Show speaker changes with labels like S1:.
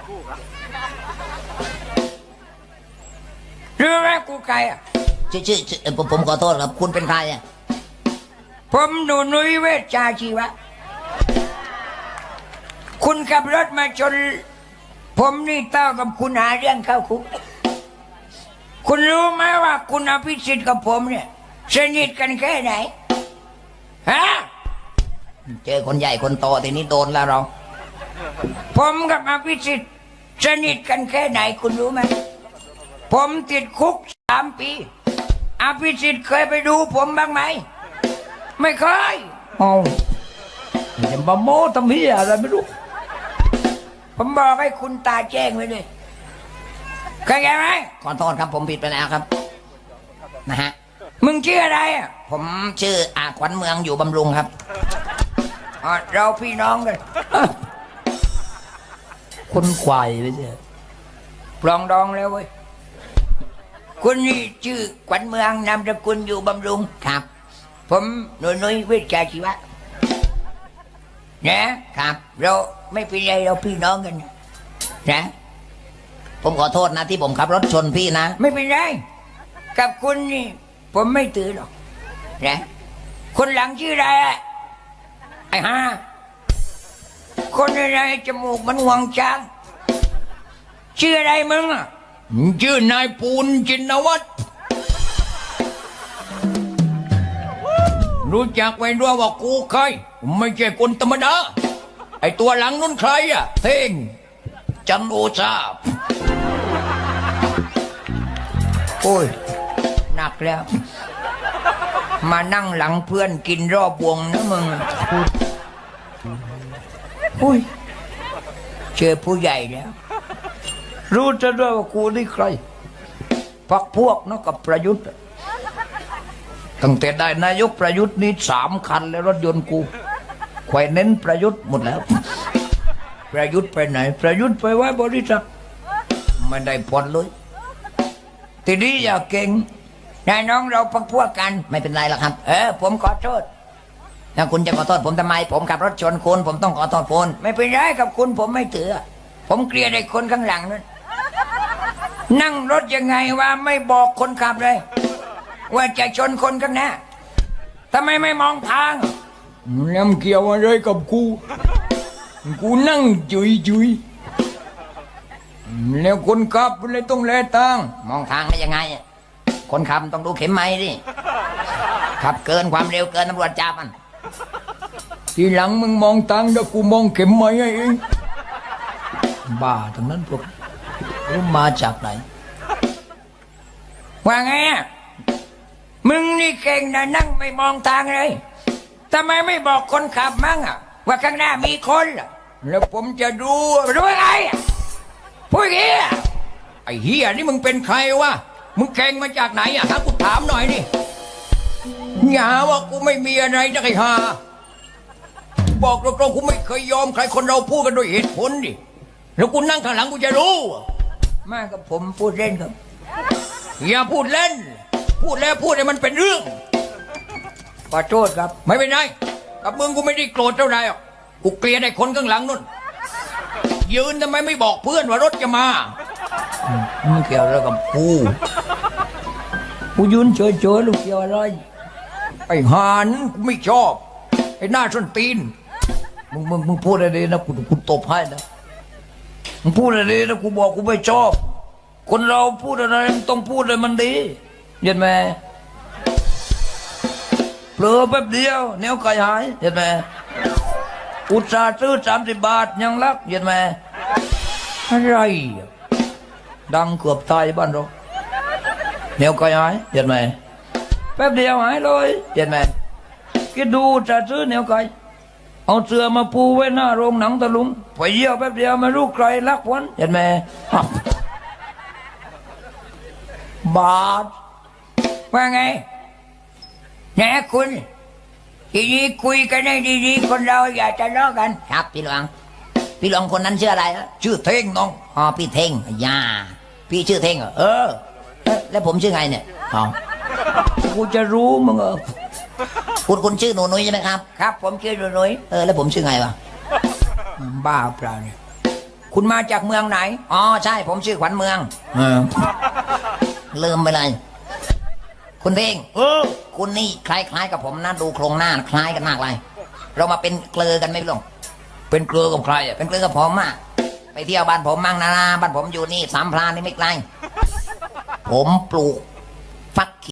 S1: รู้ไหมกูใครอ่ะ
S2: ชื่อผมขอโทษครับคุณเป็นใครอ่ะ
S1: ผมหนูนุ้ยเวชชาชีวะคุณขับรถมาชนผมนี่เต้ากับคุณหาเรื่องเข้าคุกคุณรู้ไหมว่าคุณอภิสิทธิ์กับผมเนี่ยสนิทกันแค่ไหนฮะ
S2: เจอคนใหญ่คนโตทีนี้โดนแล้วเรา
S1: ผมกับอภิสิทธิ์สนิทกันแค่ไหนคุณรู้ไหมผมติดคุก3 ปีอภิสิทธิ์เคยไปดูผมบ้างไหมไม่เคย
S2: เอาอย่ามาโม้ทำเหี้ยอะไรไม่รู้
S1: ผมบอกให้คุณตาแจ้งไว้เลยเข้าใจไหม
S2: ขอโทษครับผมผิดไปแล้วครับนะฮะ
S1: มึงชื่ออะไรอ่ะ
S2: ผมชื่อขวัญเมืองอยู่บำรุงครับ
S1: เราพี่น้องกัน
S2: คนควายไม่ใช่
S1: ปลองดองแล้วเว้ยคุณนี่ชื่อขวัญเมืองนามสกุลอยู่บำรุง
S2: ครับ
S1: ผมหนุ่ยเวชชาชีวะนะครับเราไม่เป็นไรเราพี่น้องกันนะ
S2: ผมขอโทษนะที่ผมขับรถชนพี่นะ
S1: ไม่เป็นไรกับคุณนี่ผมไม่ตื่นหรอกนะคนหลังชื่ออะไรไอ้ห่าคนอะไรจมูกมันหวงช้างชื่ออะไรมึงอ่ะ
S2: ชื่อนายปูนจินวัฒน์รู้จักไว้ด้วยว่ากูใครไม่ใช่คนธรรมดาไอตัวหลังนู้นใครอ่ะเท่งจันโอชา
S1: โอ้ยหนักแล้วมานั่งหลังเพื่อนกินรอบวงนะมึงอุ้ยเจอผู้ใหญ่แล้วรู้จะด้วยว่ากูนี่ใครพักพวกเนาะกับประยุทธ์ตั้งแต่ได้นายกประยุทธ์นี่3 คันแล้วรถยนต์กูแขวนเน้นประยุทธ์หมดแล้วประยุทธ์ไปไหนประยุทธ์ไปไว้บริษัทไม่ได้ผลเลยทีนี้อย่าเก่งนายน้องเราพักพวกกัน
S2: ไม่เป็นไรหรอกครับ
S1: ผมขอโทษ
S2: ถ้าคุณจะขอโทษผมทำไมผมขับรถชนคุณผมต้องขอโทษคุณ
S1: ไม่เป็นไรกับคุณผมไม่ถือผมเกลียดไอ้คนข้างหลังนั่นนั่งรถยังไงว่าไม่บอกคนขับเลยว่าจะชนคนข้างหน้าทำไมไม่มองทาง
S2: น้ำเกี่ยวอะไรกับกูนั่งจุยแล้วคนขับเลยต้องแลทางมองทางได้ยังไงคนขับต้องดูเข็มไม้ดิขับเกินความเร็วเกินตำรวจจับมันทีหลังมึงมองทางเดี๋ยวกูมองเข็มไม้เองบ้าทั้งนั้นพวกรู้มาจากไหน
S1: ว่าไงมึงนี่เก่งนะนั่งไม่มองทางเลยทำไมไม่บอกคนขับมั่งว่าข้างหน้ามีคน
S2: แล้วผมจะดู
S1: ไงพูดเหี้ย
S2: ไอ้เหี้ยนี่มึงเป็นใครวะมึงเก่งมาจากไหนถ้ากูถามหน่อยนี่อย่าว่ากูไม่มีอะไรนะไอ้ห่าบอกตรงๆกูไม่เคยยอมใครคนเราพูดกันด้วยเหตุผลดิแล้วกูนั่งข้างหลังกูจะรู้
S1: มากับผมพูดเล่นครับ
S2: อย่าพูดเล่นพูดแล้วพูดให้มันเป็นเรื่อง
S1: ขอโทษครับ
S2: ไม่เป็นไรกับมึงกูไม่ได้โกรธเท่าไหร่กูเกลียดไอ้คนข้างหลังนู่นยืนทำไมไม่บอกเพื่อนว่ารถจะมา
S1: มึงเกี่ยวอะไรกับกูยืนเฉยๆลูกเกี่ยวอะไร
S2: ไอ้หานกูไม่ชอบไอ้หน้าส้นตีน
S1: มึงพูดอะไรนะกูตบให้นะมึงพูดอะไรนะกูบอกกูไม่ชอบคนเราพูดอะไรต้องพูดเลยมันดีเห็นไหมเผลอแป๊บเดียวแนวไก่หายเห็นไหมอุตส่าห์ซื้อ30 บาทยังรักเห็นไหมอะไรดังเกือบตายบ้านเราแนวไก่หายเห็นไหมแป๊บเดียวหายเลยเห็นไหมคิดดูจะซื้อแนวไก่เอาเสื้อมาปูไว้หน้าโรงหนังตะลุงไปเยี่ยวแป๊บเดียวไม่รู้ใครรักวันเห็นไหมบาทว่าไงแหนคุณทีนี้คุยกันให้ดีๆคนเราอย่าทะเลาะกัน
S2: ครับพี่หลวงคนนั้นชื่ออะไร
S1: ชื่อเท่งน้อง
S2: พี่เท่งย่าพี่ชื่อเท่งแล้วผมชื่อไงเนี่ย
S1: กูจะรู้มึง
S2: คุณชื่อหนูนุ้ยใช่ไหมครับ
S1: ครับผมชื่อหนูนุ้ย
S2: แล้วผมชื่อไงวะ
S1: บ้าเปล่าเนี่ย
S2: คุณมาจากเมืองไหนอ๋อใช่ผมชื่อขวัญเมือง
S1: เออ
S2: ลืมไปเลย คุณเพ่ง
S1: เออ
S2: คุณนี่คล้ายๆกับผมนะดูโครงหน้าคล้ายกันมากเลย เรามาเป็นเกลือกันไหมพี่ลง
S1: เป็นเกลือกับใครอ่ะ
S2: เป็นเกลือกับผมอะไปเที่ยวบ้านผมมั่งนะบ้านผมอยู่นี่สามพรานนี่ไม่ไกลผมปลูกฟัก